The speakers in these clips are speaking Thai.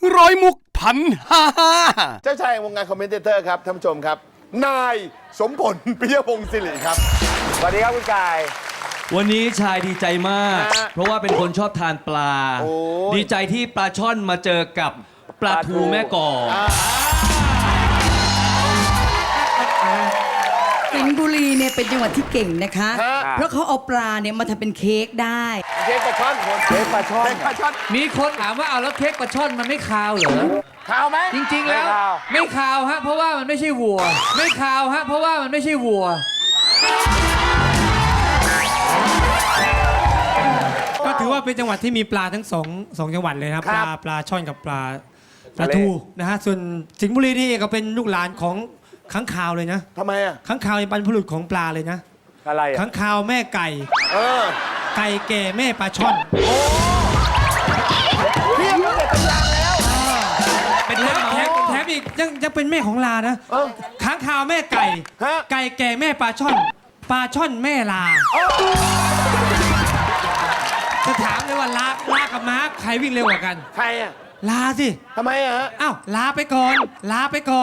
ร้อยมุกพันห้าเจ้าชายวงการคอมเมนเตอร์ครับท่านผู้ชมครับนายสมผลปิยพงศ์ศิริครับสวัสดีครับคุณกายวันนี้ชายดีใจมากฮะเพราะว่าเป็นคนชอบทานปลาโอ้ยดีใจที่ปลาช่อนมาเจอกับปลาทูแม่กอกสิงห์บุรีเนี่ยเป็นจังหวัดที่เก่งนะคะฮะเพราะเขาเอาปลาเนี่ยมาทำเป็นเค้กได้เค้กปลาช่อนเค้กปลาช่อนเค้กปลาช่อนมีคนถามว่าเอาแล้วเค้กปลาช่อนมันไม่คาวเหรอข่าวไหมจริง ๆ แล้วไม่คาวไม่คาวฮะเพราะว่ามันไม่ใช่วัว ไม่คาวฮะเพราะว่ามันไม่ใช่วัวก็ถือว่าเป็นจังหวัดที่มีปลาทั้งสองจังหวัดเลยนะครับ ปลาช่อนกับปลาทูนะฮะส่วนสิงห์บุรีนี่ก็เป็นลูกหลานของค้างคาวเลยนะทำไมอ่ะค้างคาวเป็นบรรพบุรุษของปลาเลยนะอะไรอ่ะค้างคาวแม่ไก่เออไก่แก่แม่ปลาช่อนเพียงตั้งแต่ตำรางแล้วเป็นแถมอีกยังเป็นแม่ของลานะค้างคาวแม่ไก่ฮะไก่แก่แม่ปลาช่อนปลาช่อนแม่ลาจะถามเลยว่าลากับม้าใครวิ่งเร็วกว่ากันใครอ่ะลาสิทำไมอ่ะฮะอ้าวลาไปก่อนลาไปก่อน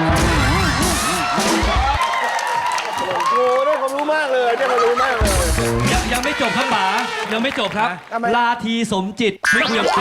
โอ้ได้ความรู้มากเลยได้ความรู้มากเลยยังไม่จบครับป๋ายังไม่จบครับทำไมลาทีสมจิตไม่คุยกับแก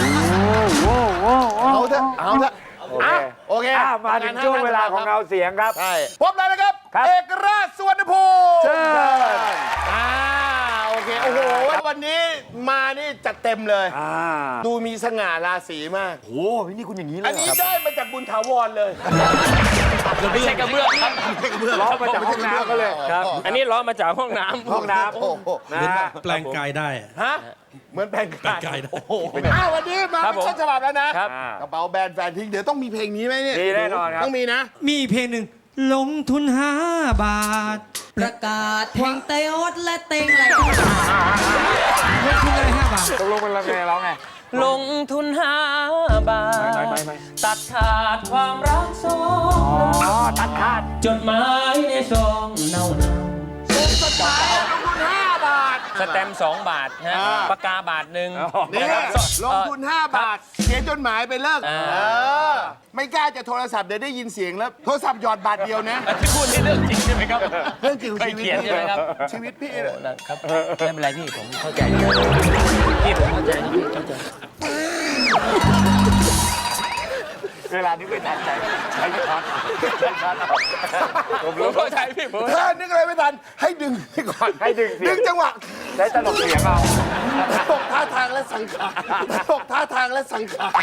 เอาเถอะเอาเถอะโอเคโอเคมาถึงช่วงเวลาของเราเสียงครับใช่พบเลยนะครับครับเอกราชสุวรรณภูมิเชิญโอเคโอ้โหวันนี้มานี่จัดเต็มเลย ดูมีสง่าราศีมากโอ้โหนี่คุณอย่างนี้เลอัยนเหรนี้อครับได้มาจากบุญถาวรเลยไม่ใช่กระเบื้องครับล้อมาจากห้องน้ำก็เลยครับอันนี้ล้อมาจากห้องน้ำห้องน้ำโอ้โหนะฮะแปลงกายได้ฮะเหมือนแปลงกายแปลงกายได้โอ้โหวันนี้มาครับเป็นผมต้นฉบับแล้วนะครับ กระเป๋าแบรนด์แฟนทิ้งเดี๋ยวต้องมีเพลงนี้ไหมเนี่ยมีแน่นอนครับต้องมีนะมีเพลงหนึ่งลงทุน5 บาทประกาศเพลงเตยอดและเต็งอะไรลงทุนอะไร5 บาทตกลงเป็นเราไงร้องไงลงทุน5 บาทไม่ตัดขาดความรักสองอ๋อตัดขาดจดหมายในซองเน่าสแตมป์2 บาทฮะอ่าปากกาบาทหนึ่งนี่นะครับลงทุน 5 บาท เขียนจดหมายไปเลิกอ่าไม่กล้าจะโทรศัพท์เดี๋ยวได้ยินเสียงแล้ว โทรศัพท์หยอดบาทเดียวนะที่พูดนี่เรื่องจริงใช่ไหมครับเรื่องจริงของเคยชีวิตเขียนใช่ไหมครับชีวิตพี่โอ้เนี่ยนะครับไม่เป็นไรพี่ผมเข้าใจพี่ผมเข้าใจพี่เข้าใจเวลานี้ไม่ทันใจใช้ช็อตผมผมรู้เข้าใจพี่ผมถ้านึกอะไรไม่ทัน ให้ดึงไปก่อนให้ดึงเสียงดึงจังหวะใช้ตลกเสียงเอาตกท่าทางและสังขารตกท่าทางและสังขาร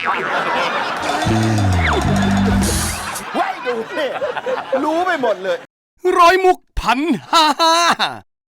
ไว้ดูนี่รู้ไปหมดเลยร้อยมุกพันห้า